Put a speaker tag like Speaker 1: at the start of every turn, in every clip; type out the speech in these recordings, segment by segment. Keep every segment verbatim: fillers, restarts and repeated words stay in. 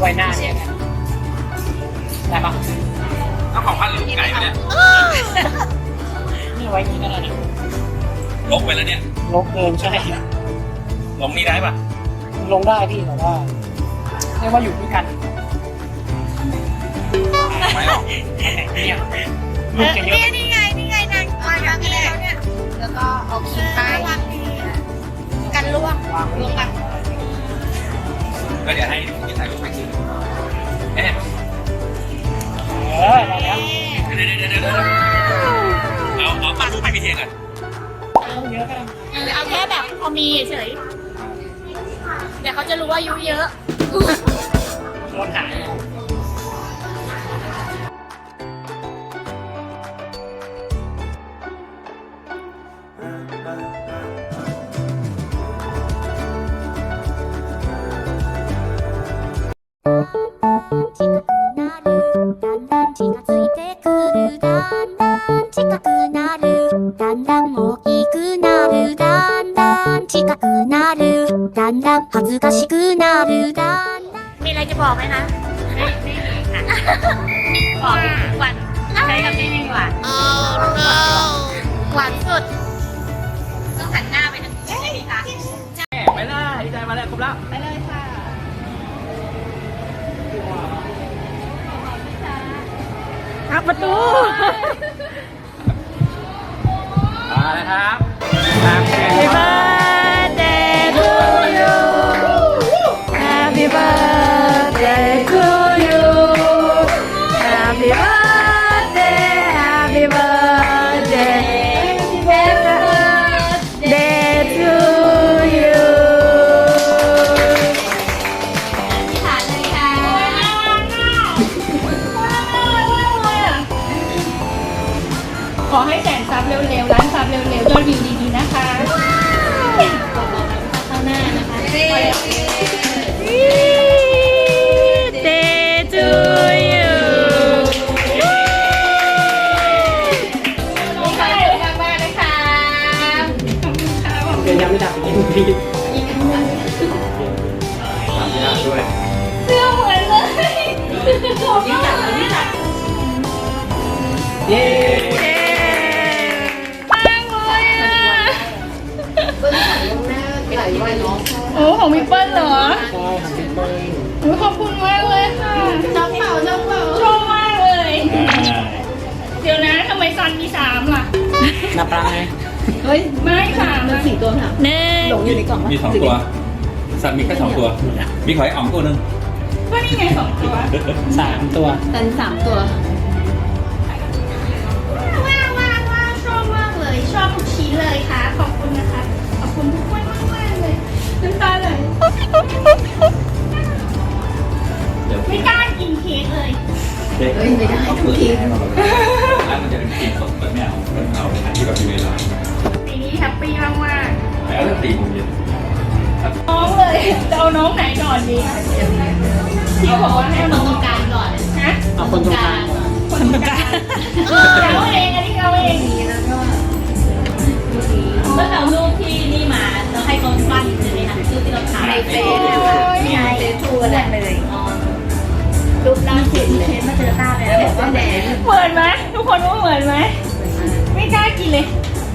Speaker 1: ไว้หน้าเนี่ยได้ปะ
Speaker 2: เอาของพันหรือไก่เนี่ย
Speaker 1: นี่ไว้อย่างนี้ก็ได้นะ
Speaker 2: ลกไปแล้วเนี่ย
Speaker 1: ลงเกินใช่
Speaker 2: ลงนี่ได้ปะ
Speaker 1: ลงได้พี่แต่ว่าเรียกว่าอยู่ด้วยกัน
Speaker 2: ไม่ออก
Speaker 1: เนี่ย
Speaker 3: เอ
Speaker 1: ลูก
Speaker 3: อ
Speaker 1: จะเย
Speaker 3: เนี่
Speaker 1: อะ
Speaker 3: ยนี่ไงนี่ไงนางวางอย่างนี้แล้วเนี่ยแล้วก็เอาขีดไปกันล่วงล่วงกัน
Speaker 2: ก็เดี๋ยวให้พี่ถ่ายรูปไปกินเอ๊ะ
Speaker 1: เออได้แล้ว
Speaker 2: เดี๋ยวเดี๋ยวเดี๋ยวเดี๋ยวเอาเอาเอารูปให้พี่เทียนก่อน
Speaker 1: เอาเยอะก็ได้
Speaker 3: เออเอาแค่แบบพอมีเฉยเดี๋ยวเขาจะรู้ว่าอายุเยอะ
Speaker 1: โดนหาย
Speaker 4: 近くなるだんだん近づいてくるだんだん近くなるだんだん大きくなるだんだん近くなるだんだん恥ずかしくなるだんだん
Speaker 3: มีอะไรจะบอกไหมคะไม่ไม่มีค่ะบอกหวานใช้คำนี้ดีกว่าหวานสุดต้องหันหน้าไปทางนี้ใช่ไหมคะ
Speaker 2: ไปเลยใจมาแล้วครบแล้ว
Speaker 3: ไปเลยค่ะ
Speaker 1: ครับประตู
Speaker 2: มาแล้วครับตามแขก
Speaker 1: Happy birthday to you Happy birthday to you Happy birthday Happy birthday Happy birthday to you
Speaker 3: ที่ฐานเลยค่ะ
Speaker 5: ขอให้แสนซับเร็วๆร้านซับเร็วๆยอดวิวดีๆนะคะ
Speaker 3: ข้างหน้านะคะ
Speaker 5: Day to you
Speaker 3: มีความสุขมากๆเลยค่ะ
Speaker 1: เดี๋ยวยังไม่ดับอีกที
Speaker 2: ทำยากด้วย
Speaker 5: เสื้อเหมือนเลยขอบคุณค่ะ
Speaker 1: เย้
Speaker 5: มากเลยอ่ะโอ้ของพี่เปิ้ลเหรอ
Speaker 1: ใช่ของพี่เปิ้ล
Speaker 5: โอ้ขอบคุณมากเลยค่ะ
Speaker 3: ชอบเป่าชอบเป่า
Speaker 5: ชอบมากเลย เดี๋ยวนะทำไมซันมีสามล่ะ
Speaker 1: นับปลาไง
Speaker 5: ไม่สามนะสี่ตัวค่ะหนึ่ง
Speaker 2: มีสองตัว สัตว์มีแค่สองตัว มีหอยอ๋องตัวหนึ่ง
Speaker 5: ก็นี่ไงสองตัว
Speaker 1: สามตัว
Speaker 5: ว้าวว้าวว้าวชอบมากเลย ชอบทุกชิ้นเลยค่ะ ขอบคุณนะคะ ขอบคุณทุกคนมากมากๆเลยน้ำตาไหล
Speaker 2: เดี๋ยว
Speaker 5: ไม่กล้ากินเค้กเลย
Speaker 2: เด็กไม่ได้ทุกทีแล้วมันจะเป็นกินสดแบบไม่เอามันเอาอันที่แบบอยู่ในร้าน
Speaker 5: ปีนี้แฮปปี้มากมาก
Speaker 2: แล้วก็ตีโมงเย็น
Speaker 5: ๆน้องเลยจะเอาน้องไหนก่อนดีที่บอกว่าให้เอาน้อง
Speaker 3: ตรงกลางก่อน
Speaker 5: ฮะ
Speaker 1: เอาคนตรงกลาง
Speaker 5: คนตรงกลางเอาเองอันนี้เอาเอง
Speaker 3: เมื่อเรารูปที่นี่มาเราให้เขาปั้นใช่ไหมคะรูปที่เราถ่ายเฟซไงเฟซทูอะไรเลยรูปล่าสุดเลยมาเจอตาเลยแล้วบอกว่าแดง
Speaker 5: เหมือนไหมทุกคนว่าเหมือนไหมไม่กล้ากินเลย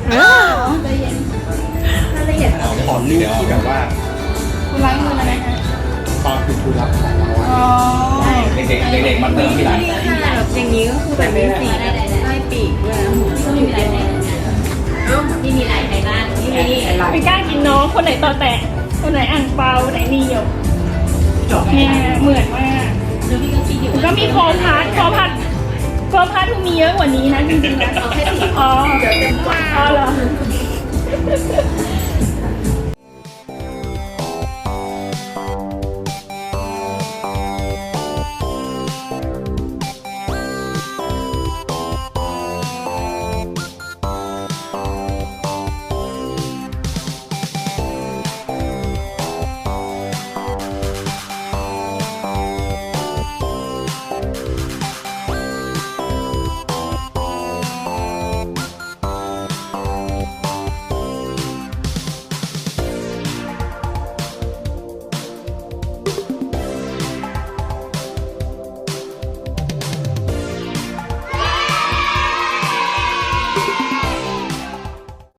Speaker 6: ขอรูปที่แบบว่า
Speaker 5: คุณล้างมืออะไรคะ
Speaker 6: ตอนคุณครูรับของเราอะ
Speaker 5: อ๋อ
Speaker 2: เด็กๆเด็กๆมาเติมที่ร้าน
Speaker 3: อย่างนี้ก็คือแบบมีสีได้ได้ปีกด้วยนะก็ไม่มีลายไหนนี่มีลายไหนบ้างนี่มี
Speaker 5: ไม่กล้ากินน้องคนไหนต่อแตะคนไหนอ่างเปาคนไหนนี่หยกเนี่ยเหมือนมาก
Speaker 3: ดูพี่ก็คิดอยู่
Speaker 5: ก็มีคอพัดคอพัดคอพัดมีเยอะกว่านี้นะจริงๆนะ
Speaker 3: เอาแค่สี
Speaker 5: อ๋อ
Speaker 3: เดี๋ยวเต็มกว่า
Speaker 5: อ๋อเหรอ